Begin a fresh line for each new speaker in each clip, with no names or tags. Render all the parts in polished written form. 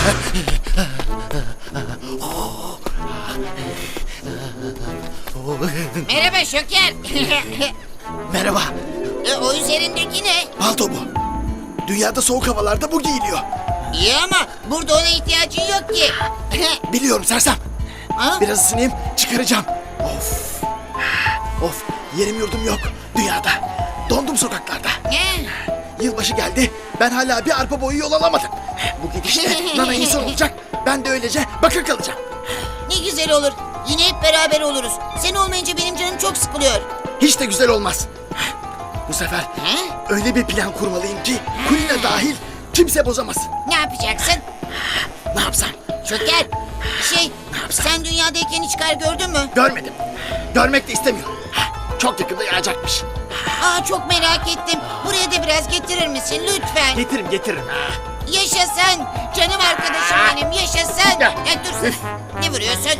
Merhaba Şoker.
Merhaba.
O üzerindeki ne?
Palto bu. Dünyada soğuk havalarda bu giyiliyor.
İyi ama burada ona ihtiyacın yok ki.
Biliyorum sersem.
Ha?
Biraz ısınayım, çıkaracağım. Of. Of, yerim yurdum yok dünyada. Dondum sokaklarda. Yılbaşı geldi, ben hala bir arpa boyu yol alamadım. Bu gidişle Nana insan olacak, ben de öylece bakır kalacağım.
Ne güzel olur. Yine hep beraber oluruz. Sen olmayınca benim canım çok sıkılıyor.
Hiç de güzel olmaz. Bu sefer
Ha?
öyle bir plan kurmalıyım ki Kulina dahil kimse bozamaz.
Ne yapacaksın?
Ne yapsam?
Şoker,
Ne yapsam?
sen dünyadayken hiç kar gördün mü?
Görmedim. Görmek de istemiyorum. Çok yakında yağacakmış.
Çok merak ettim. Buraya da biraz getirir misin lütfen?
Getiririm.
Yaşasın. Canım arkadaşım benim, yaşasın.
Ya.
Dur. Ne vuruyorsun?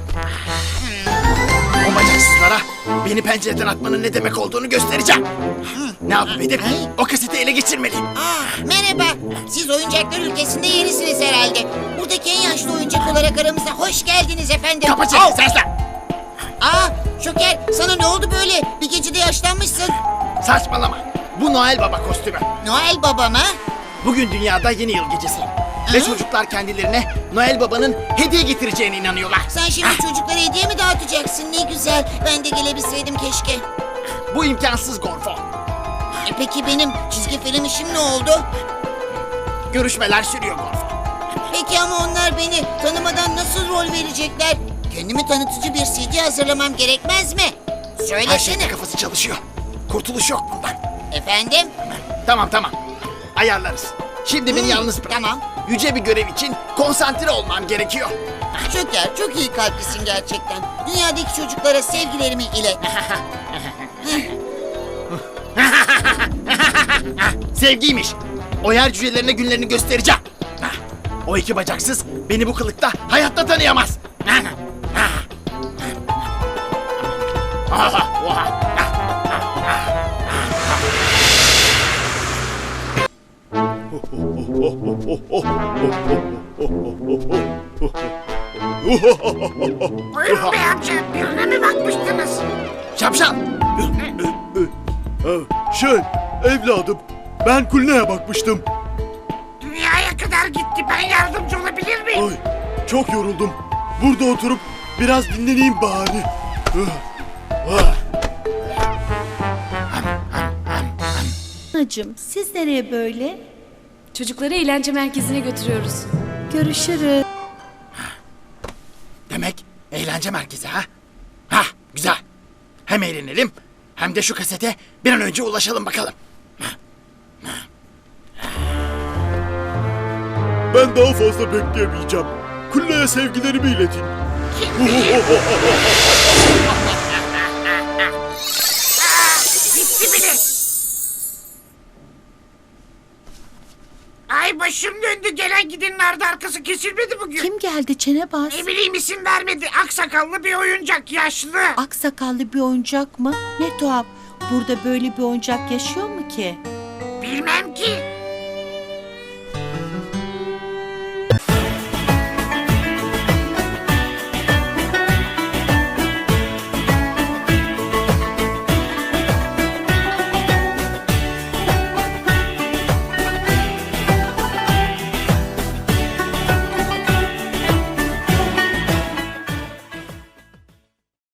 O bacaksızlara beni pencereden atmanın ne demek olduğunu göstereceğim. Ne yapıp edip o kaseti ele geçirmeliyim.
Merhaba. Siz oyuncaklar ülkesinde yenisiniz herhalde. Buradaki en yaşlı oyuncak olarak aramıza hoş geldiniz efendim.
Kapa çeneni sersem.
Şoker, sana ne oldu böyle? Bir gecede yaşlanmışsın.
Saçmalama. Bu Noel Baba kostümü.
Noel Baba mı?
Bugün dünyada yeni yıl gecesi. Ve çocuklar kendilerine Noel Baba'nın hediye getireceğine inanıyorlar.
Sen şimdi çocuklara hediye mi dağıtacaksın? Ne güzel. Ben de gelebilseydim keşke.
Bu imkansız Gorfo.
Peki benim çizgi film işim ne oldu?
Görüşmeler sürüyor Gorfo.
Peki ama onlar beni tanımadan nasıl rol verecekler? Kendimi tanıtıcı bir CD hazırlamam gerekmez mi?
Her
Söylesene.
şeyde kafası çalışıyor. Kurtuluş yok bundan.
Efendim?
Tamam. Ayarlarız. Şimdi beni yalnız bırak.
Tamam.
Yüce bir görev için konsantre olmam gerekiyor.
Şoker, çok iyi kalplisin gerçekten. Dünyadaki çocuklara sevgilerimi ilet.
Sevgiymiş. O yer cücelerine günlerini göstereceğim. O iki bacaksız beni bu kılıkta hayatta tanıyamaz.
Buyurun bey amca, birine mi bakmıştınız?
Şapşal.
Evladım, ben Kulina'ya bakmıştım.
Dünyaya kadar gitti, ben yardımcı olabilir miyim?
Ay, çok yoruldum. Burada oturup biraz dinleneyim bari.
Anacığım, siz nereye böyle?
Çocukları eğlence merkezine götürüyoruz.
Görüşürüz.
Demek eğlence merkezi ha? Ha, güzel. Hem eğlenelim hem de şu kasete bir an önce ulaşalım bakalım.
Ben daha fazla bekleyemeyeceğim. Kulina'ya sevgilerimi iletin.
Gitti bile. Ay başım döndü, gelen gidenin ardı arkası kesilmedi bugün.
Kim geldi Çenebaz?
Ne bileyim, isim vermedi. Aksakallı bir oyuncak, yaşlı.
Aksakallı bir oyuncak mı? Ne tuhaf. Burada böyle bir oyuncak yaşıyor mu ki?
Bilmem ki.